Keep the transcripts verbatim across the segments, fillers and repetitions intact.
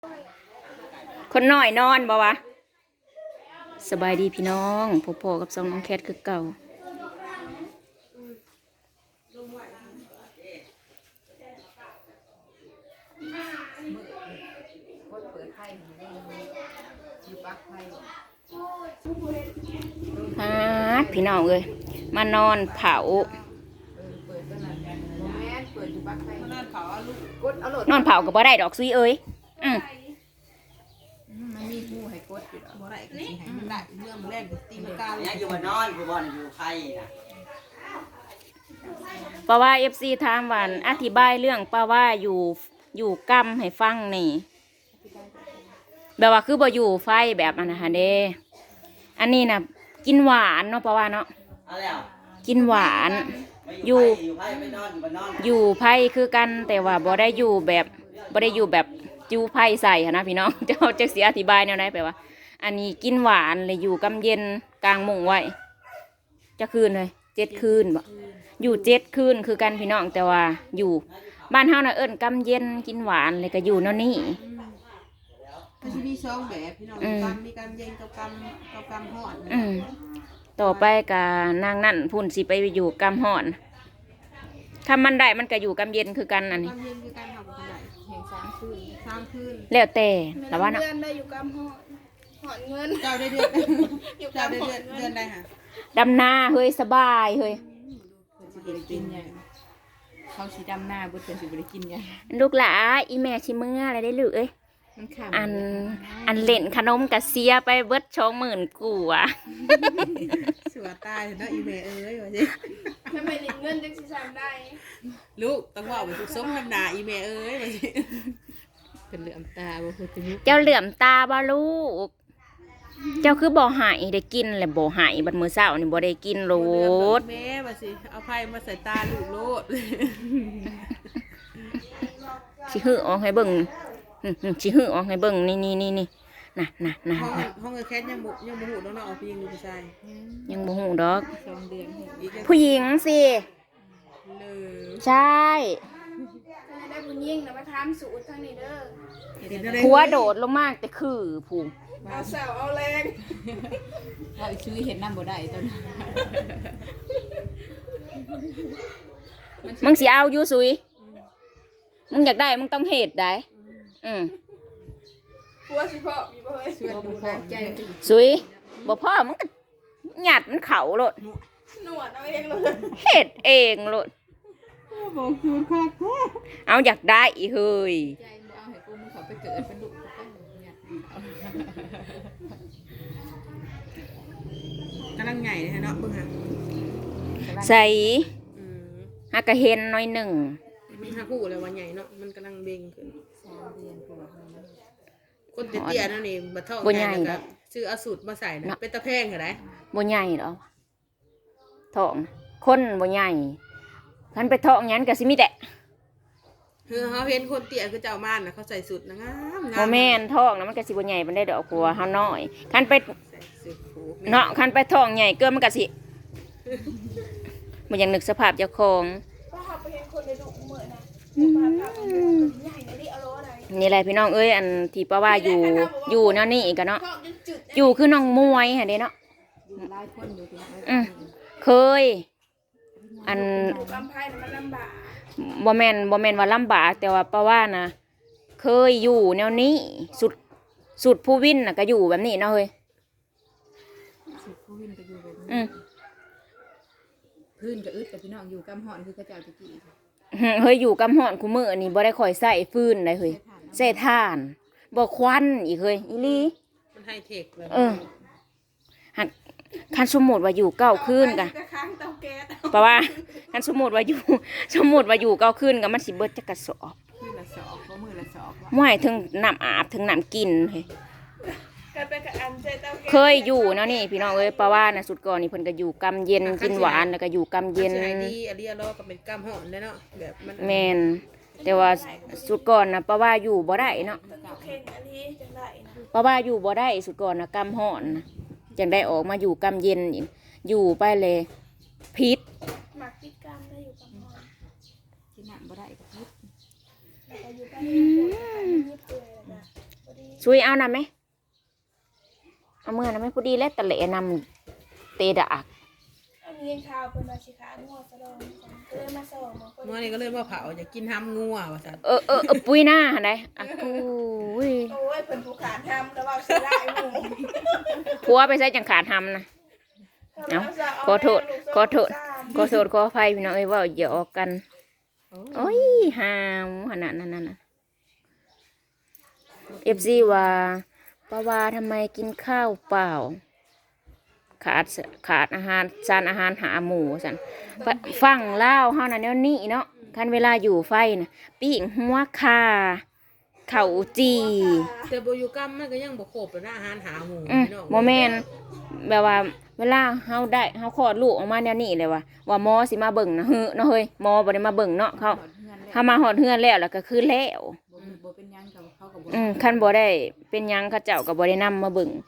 คนน้อยนอนบ่วะสบายดีพี่น้องพ่อๆกับสองน้องแคทคือเก่าฮาดพี่น้องเอ้ยมานอนเผานอนเผากับบ่ได้ดอกซุยเอ้ยอืมมันมีผู้ให้กดอยู่บ่ได้ก็สิให้มันได้เรื่องแรกตีมกาเลยเนี่ยอยู่บ้านนอนผู้บอลอยู่ไข่นะเพราะว่าเอฟซีถามว่าอธิบายเรื่องป้าว่าอยู่อยู่กำให้ฟังนี่แบบว่าคือบ่อยู่ไฟแบบอันนะคะเด้อันนี้นะกินหวานเนาะป้าว่าเนาะเอาแล้วกินหวานไม่อยู่อยู่ไข่ไปนอนอยู่บ้านนอนอยู่ไพ่คือกันแต่ว่าบ่ได้อยู่แบบบ่ได้อยู่แบบจูไพ่ใส่หั้นนะพี่น้อง เจ้าจะเสียอธิบายแนวไหนแปลว่า อันนี้กินหวานเลยอยู่กำเย็นกลางมุ้งไว้จะคืนเลยเจ็ดคืนบ่อยู่เจ็ดคืนคือกันพี่น้องแต่ว่าอยู่บ้านเฮาน่ะเอิ้นกำเย็นกินหวานเลยก็อยู่แนวนี้มันสิมีสองแบบพี่น้องกำมีกำเย็นกับกำกับกำฮ้อนอืมต่อไปกับนางนั่นพุ่นสิไปอยู่กำห่อนถ้ามันได้มันก็อยู่กำเย็นคือกันอันนี้กำเย็นคือการทำกันได้แห่งสามคืนสามคืนแล้วแต่ละว่าเนาะเดือนได้อยู่กำหอดหอดเงินเจ้าได้เดือนเจ้าได้เดือนเดือนได้ค่ะดำนาเฮ้ยสบายเฮ้ยสิบริกินเนี่ยเขาสีดำหน้าบุตรเป็นสิบริกินเนี่ยลูกหลาอีแม่ชิเมื่ออะไรได้ลูกเอ้ยมันขำอันอันเล่นขนมกะเสียไปเบิดชองหมื่นกูอ่ะสวยตายเนาะอีเมเอ้ยว่าสิทำไมหลิงเงินจังสิสามได้ลูกต้องว่าไปถูกส้มน้ำหนาอีเมเอ้ยว่าสิเป็นเหลือมตาบ่คือจะยุเจ้าเหลื่อมตาบ่ลูก เจ้าคือบ่หายได้กินแหละบ่หายบัดมื้อเช้านี่บ่ได้กินโลดแม่ว่าสิเอาไพ่มาใส่ตาลูกโลดสิหื้อออกให้เบิ่งอืมๆสิหื้อออกให้เบิ่งนี่นี่นี่นี่น่ะน่ะน่ะห้องน่ะห้องแคทยังบุยังบุหูน้องน้องเอาไปยิงดูผู้ชายยังบ่ฮู้ดอกสองเดือนอีกผู้หญิงสิเลยใช่ถ้าได้บุญยิ่งนะมาทำสูตรทางนี้เด้อผัวโดดลงมากแต่คือผู้เอาเสาเอาแรงเราซื้อเห็นน้ำบ่ได้ตอนนั้นมึงสิเอาอยู่สุยมึงอยากได้มึงต้องเฮ็ดได้อืมผัวสิพ่อมีบ่เฮ้ยช่วยดูแลใจสุยบ่พ่อมึงก็หยัดมันเข่าโลดหนวดเอาเองเลยเฮ็ดเองโลดบอกคือค่ะแท้เอาอยากได้อีเฮ้ยใจมึงเอาให้กูมึงเขาไปเกิดเป็นลูกกูก็เนี่ยกำลังใหญ่เลยเนาะเบิ่งฮะใส่อืมหากะเห็นหน้อยหนึ่งมันหาคู่เลยว่าใหญ่เนาะมันกำลังเบ่งขึ้นสามเดือนกว่าคนเตี้ยๆนั่นนี่บัดท้องแทนแล้วก็ซื้อเอาสูตรมาใส่นะเป็นตะแพงเหรอไดบ่ใหญ่ดอกท้องคนบ่ใหญ่คันไปท้องหยังก็สิมีแต่คือเขาเห็นคนเตี้ยคือเจ้าม่านนะเขาใส่สูตรนะงามงามบ่แม่นท้องนะมันก็สิบ่ใหญ่ปานใดดอกกลัวเฮาน้อยคันไปใส่สูตรผูเนาะคันไปท้องใหญ่เกินมันก็สิบ่อยากนึกสภาพเจ้าของก็เขาไปเห็นคนในดุเหมือนนะมาพาไปดูใหญ่นะดิเอาโลอะไรนี่แหละพี่น้องเอ้ยอันที่ป้าว่าอยู่อยู่แนวนี้ก็เนาะท้องจนจุดอยู่คือน้องมวยหั่นเด้เนาะหลายคนอยู่ที่นั่นอืมเคย อันอยู่กำไพ่มันลำบากบ่แม่นบ่แม่นว่าลำบากแต่ว่าป้าว่านะเคยอยู่แนวนี้สุดสุดผู้วินน่ะก็อยู่แบบนี้เนาะเฮ้ยสุดผู้วินก็อยู่แบบอืนี้มพื้นก็อึดแต่พี่น้องอยู่กำหอนคือกระเจ้าตะกี้เฮ้ยอยู่กำหอนคุมื้อนี่บ่ได้ค่อยใช้ฟืนได้เฮ้ยใช้ถ่านบ่ควันอีกเฮ้ยอีหลีมันให้เทคเลยเออหักคันสมมุติว่าอยู่เก้าคืนกะจะค้างเตาแก๊สเพราะว่าคันสมมุติว่าอยู่ สมมุติว่าอยู่เก้าคืนก็มันสิเบิดจักกระสอบมือละสอบเพราะมือละสอบม่วยถึงน้ำอาบถึงน้ำกินเฮ้ยกันไปกับอันใจเตาแก๊สเคยอยู่เนาะนี่พี่น้องเอ้ยเพราะว่านะสุดก่อนนี่เพิ่นก็อยู่กำเย็นกินหวานแล้วก็อยู่กำเย็นใช่ดีอันนี้เราก็เป็นกำหอนได้เนาะแบบมันแม่นแต่ว่าสุดก่อนนะเพราะว่าอยู่บ่ได้เนาะต้องเข่งอันนี้จังไรนะเพราะว่าอยู่บ่ได้สุดก่อนนะกำห่อนนะจังได้ออกมาอยู่กำเย็นอีกอยู่ไปเลยพิษหมักติดกรรมได้อยู่กับหมอนกินน้ำบ่ได้ก็พิษแล้วก็อยู่ใกล้ที่ปวดยิบเลยนะซุยเอานำไหมเอาเมื่อนะไหมพอดีแล้วตะเละนำเตะดากอันนี้ข้าวเป็นราชิกางัวสะดองก็เลยมาส่งมาคนเมื่อนี้ก็เลยมาเผาอยากกินห้ำงัวว่าซั่นเออเออเออปุ้ยหน้าหันไดอ่ะปุ้ยโอ้ยเป็นผู้ขานทำแล้วว่าสิได้หมู่ผัวไปใส่จังขาดทำนะเอาขอโทษขอโทษขอโทษขออภัยพี่น้องเอ้ยว่าอย่าออกกันโอ้ยหามขนาดนั้นน่ะเอฟซีว่าป้าวาทำไมกินข้าวเปล่าขาดขาดอาหารสารอาหารหาหมูสันฟังเล่าเฮานั่นแนวนี้เนาะคันเวลาอยู่ไฟนะปิ้งหัวคาเข่าจีแต่บ่อยู่กัมมันก็ยังบ่ครบเลยนะอาหารหาหมู่อืมพี่น้องโมเมนแบบว่า เวลาเฮาได้เฮาคลอดลูกออกมาแนวนี้เลยว่าว่าหมอสิมาเบิ่งนะเฮ้อเนาะเฮ้ยหมอบ่ได้มาเบิ่งเนาะเขาเฮามาฮอดเฮือนแล้วแล้วก็คือแล้วบ่บ่เป็นหยังกับเขากับบ่อืมคันบ่ได้เป็นหยังเขาเจ้าก็บ่ได้นำมาเบิ่ง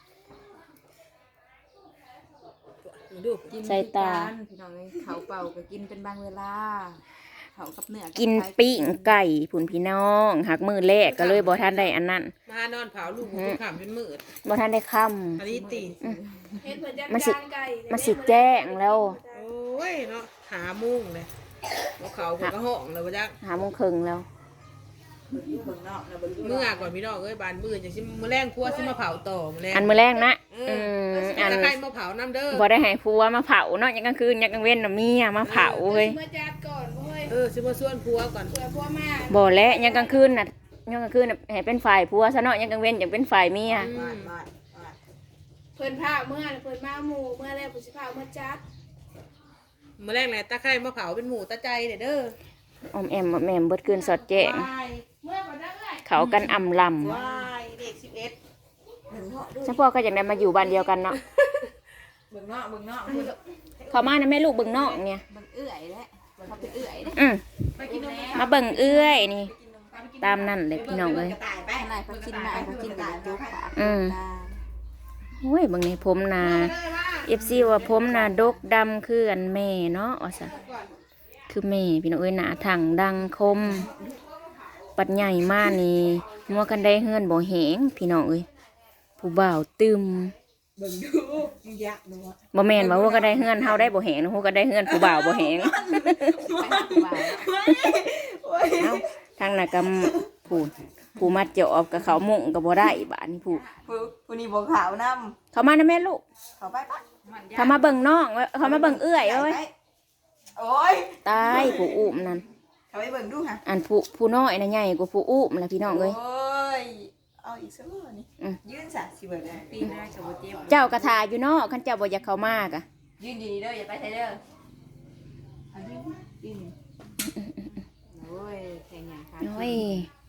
ดูกินใส่ตาคือกันพี่น้องเอ้ยเขาเป่าก็กินเป็นบางเวลาเขากับเนื้อกินปิ้งไก่ผุนพี่น้องหักมือแรกก็เลยบ่ทันได้อันนั้นมานอนเผาลูกกูขำจนมืดบ่ทันได้ค่ำอันนี้ตีเฮ็ดเหมือนจัดมันสิการไก่มันสิแจ้งแล้วโอ้ยเนาะหามุ้งเลยบ่เขาก็กระห้องเลยว่าจักหาโมงครึ่งแล้วเบิ่งนอกนะเบิ่งเมื่อก่อนพี่น้องเอ้ยบานมืดจังสิมื้อแรงครัวสิมาเผาต่อมื้อแรงอันมื้อแรกนะเออือมอัอันนใครมาเผาน้ำเด้อบ่ได้ให้ผัวมาเผาเนาะยังกลางคืนยังกลางเว้นน่ะเมียมาเผาเฮ้ยเมื่อจัดก่อนเว้ยเออสิมาส่วนครัวก่อนเผื่อพวกมาบ่และยังกลางคืนน่ะยังกลางคืนน่ะให้เป็นฝ่ายผัวซะเนาะยังกลางเว้นยังเป็นฝ่ายเมียอืบ้าม นบ้านบ้านเพิ่นพาเมื่อเพิ่นมาหมู่เมื่อแล้วเพิ่นสิพาเมื่อจัดมื้อแรงแหละตาไคร้มาเผาเป็นหมูตาใจเด้อเด้อออมแอมอมแอมเบิดคืนสอดแจ้งวายเมื่อบ่ได้เอ้ยเขากันอำลวายเด็กสิบเอ็ดเบิ่งนอกำเฉพาะก็อยากได้มาอยู่บ้านเดียวกันเนาะเบิ่งนอกเบิ่งนอกเขามานะแม่ลูกเบิ่งนอกเนี่ยเบิ่งเอื้อยแหละเขาเป็นเอื้อยเด้อืมไปกินนมมาเบิ่งเอื้อยนี่ ตามนั่นเลยพี่น้องเลยกระต่ายไปนายเขากินนายเขากินกับจุกปากอืมตาโอ้ยบางในผมนาเอฟซีว่าผมนาดกดำคืออันแม่เนาะว่าซะคือแม่พี่น้องเอ้ยหนาถังดังคม ปัดใหญ่มากนี่มัวกันได้เฮือนบ่แหงพี่น้องเอ้ยผู้บ่าวตึมเบิ่งดูมึงยักษ์ดูว่าบ่แม่นว่าหัวก็ได้เฮือนเฮาได้บ่แหงนะหัวก็ได้เฮือนผู้บ่าวบ่แหงไปหาผู้บ่าวเอ้าทางน่ะก็ผู้ผู้มาเจาะกับเขามุ่งก็บ่ได้บาดนี้ผู้ผู้ผู้นี้บ่ขาวนำเขามานะแม่ลูกเขาไปปะเขามาเบิ่งน้องเว้ยเขามาเบิ่งเอื้อยเอ้ยโอ้ยตายผู้อุ้มนั่นเขาไปเบิ่งดูค่ะอันผู้ผู้น้อยน่ะใหญ่กว่าผู้อุ้มล่ะพี่น้องเอ้ยโอ้ยเอาอีกสักรอบนี่อืมยืนซะสิเบิ่งนะปีหน้าจะบ่เจ็บเจ้ากระทาอยู่เนาะคันเจ้าบ่อยากเข้ามากะยืนดีๆเด้ออย่าไปไทยเด้อเอายืนยืนโอ้ยแข่งอย่างค่ะโอ้ย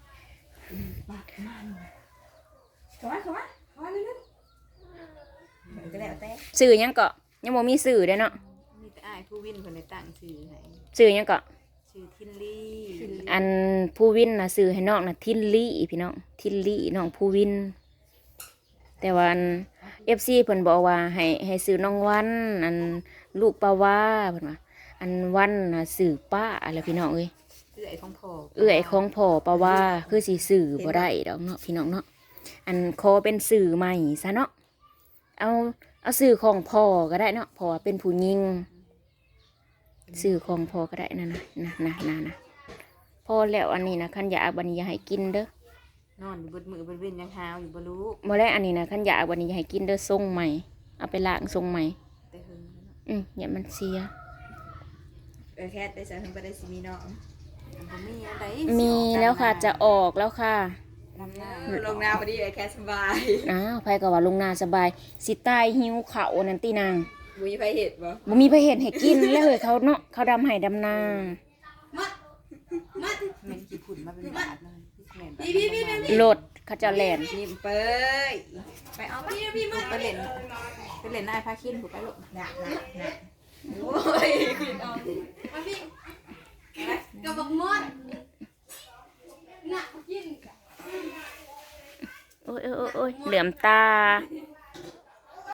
เข้ามาเข้ามาเข้ามาเร็วๆเบิ่งก็แล้วแต่สื่อหยังเกาะยังบ่มีสื่อเด้อเนาะมีแต่อ้ายผู้วินเพิ่นได้ตั้งชื่อให้สื่อหยังเกาะชื่อทินลี่อันผู้วินน่ะสื่อให้น้องน่ะทินลี่พี่น้องทินลี่น้องผู้วิน แต่ว่าอัน เอฟ ซี เพิ่นบอกว่าให้ให้ซื้อน้องวันอันลูกปาวาเพิ่นว่าอันวันน่ะสื่อป้าอะไรพี่น้องเอ้ยเอื้อยของพ่อเอื้อยของพ่อปาวาคือสิสื่อบ่ได้ดอกเนาะพี่น้องเนาะอันขอเป็นสื่อใหม่ซะเนาะเอาเอาสื่อของพ่อก็ได้เนาะพ่อเป็นผู้หญิงสื่อของพ่อก็ได้นะนะนะนะนะนะพอแล้วอันนี้นะคันอยากบัดนี้อย่าให้กินเด้อนอนอยู่บนมือบนเว้นยังหาวอยู่บ่รู้บ่แล้วอันนี้นะคันอยากบัดนี้อย่าให้กินเด้อทรงใหม่เอาไปล้างทรงใหม่แต่หึงแล้วเนาะอืมอย่ามันเสียเออแค่ได้สักถึงบ่ได้สิมีน้องบ่มีอันใดมีแล้วค่ะจะออกแล้วค่ะลำหน้าลงนาพอดีเลยแค่สบายอ้าวไผก็ว่าลงนาสบายสิตายหิวข้าวนั่นตินางบ่มีไผเห็นบ่บ่มีไผเห็นให้กินแล้วเฮ้ยเขาเนาะเขาดำให้ดำนาแม่นกี่ฝุ่นมาเป็นบาทเลยแม่นพี่พี่พี่รถเขาจะแล่นนิ่มเปยไปเอาไปพี่มาไปเล่นไปเล่นนายพาคินถูกไปลูกหนักหนักหนักโอ้ยคุณเอามาพี่กับบักมอนน่ะกินโอ้ยโอ้ยโอ้ยเหลื่อมตา